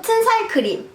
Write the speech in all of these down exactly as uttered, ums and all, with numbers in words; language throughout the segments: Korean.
같은 살 크림.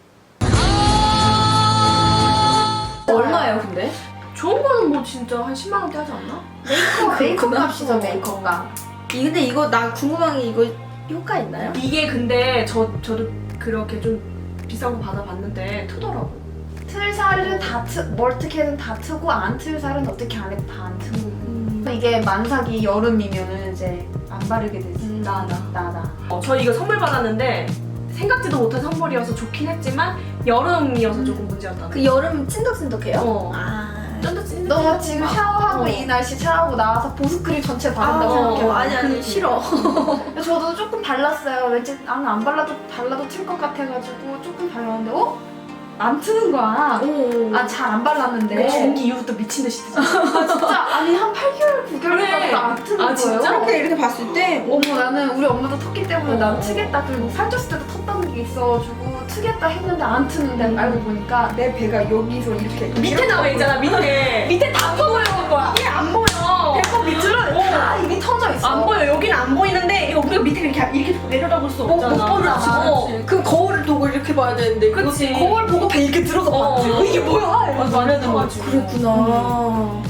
얼마예요 근데? 좋은 거는 뭐 진짜 한 십만 원대 하지 않나? 메이크업, 메이크업 그렇구나. 값이죠, 메이크업 값. 이 근데 이거 나 궁금한 게 이거 효과 있나요? 이게 근데 저, 저도 그렇게 좀 비싼 거 받아봤는데 트더라고. 틀 살은 다 트, 뭘 어떻게든 다 트고 안 틀 살은 어떻게 안 해도 다 안 트고. 음. 이게 만삭이 여름이면은 이제 안 바르게 되지. 음, 나, 나. 나, 나. 어, 저 이거 선물 받았는데 생각지도 못한 선물이어서 좋긴 했지만 여름이어서 조금 문제였다. 그 여름 찐덕찐덕해요? 어. 아. 쫀득찐득. 너 지금 샤워하고 어. 이 날씨 샤워하고 나와서 보습크림 전체 바른다고 아, 생각해요. 어, 아니, 아니, 싫어. 저도 조금 발랐어요. 왠지 나는 안 발라도 발라도 틀 것 같아가지고 조금 발랐는데 어? 안 트는 거야. 오. 아 잘 안 발랐는데. 내 중기 이후부터 미친 듯이 뜨잖아. 아, 진짜 아니 한 팔 개월 구 개월 그래. 동안 안 트는 아, 거예요. 진짜? 이렇게 이렇게 봤을 때 어머 나는 우리 엄마도 텄기 때문에 어. 난 트겠다. 그리고 살쪘을 때도 텄다는 게 있어가지고 트겠다 했는데 안 트는데 음. 알고 보니까 내 배가 여기서 이렇게 밑에 나와 있잖아, 밑에. 밑에 다 보여 거야. 이게 안 보여. 배꼽 밑으로 다 이미 터져 있어. 안 보여. 여기는 안 보이는데 이거 우리가 밑에 이렇게 이렇게 내려다볼 수 못, 없잖아. 못 보잖아. 어. 그 거울을 두고 이렇게 봐야 되는데 그치. 거울 보고 배 이렇게 들어서 어. 봤지. 어, 이게 뭐야? 맞아, 마음에 들어가지고. 그랬구나.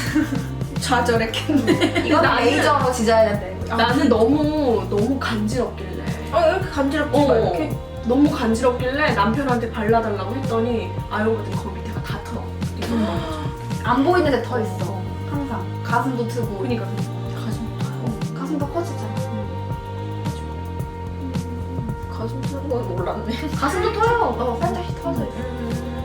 좌절했겠네. 이건 나는- 레이저로 지져야 돼. 나는 너무 너무 간지럽길래. 아 이렇게 간지럽지 어. 마 이렇게. 너무 간지럽길래 남편한테 발라달라고 했더니 알고 봤더니 거 밑에가 다 터. 이거 안 보이는데 더 있어. 항상 가슴도 트고. 그니까 가슴 어, 가슴도 커지잖아. 가슴 트는 건 몰랐네. 가슴도 터요. 어, 살짝씩 터져 있어.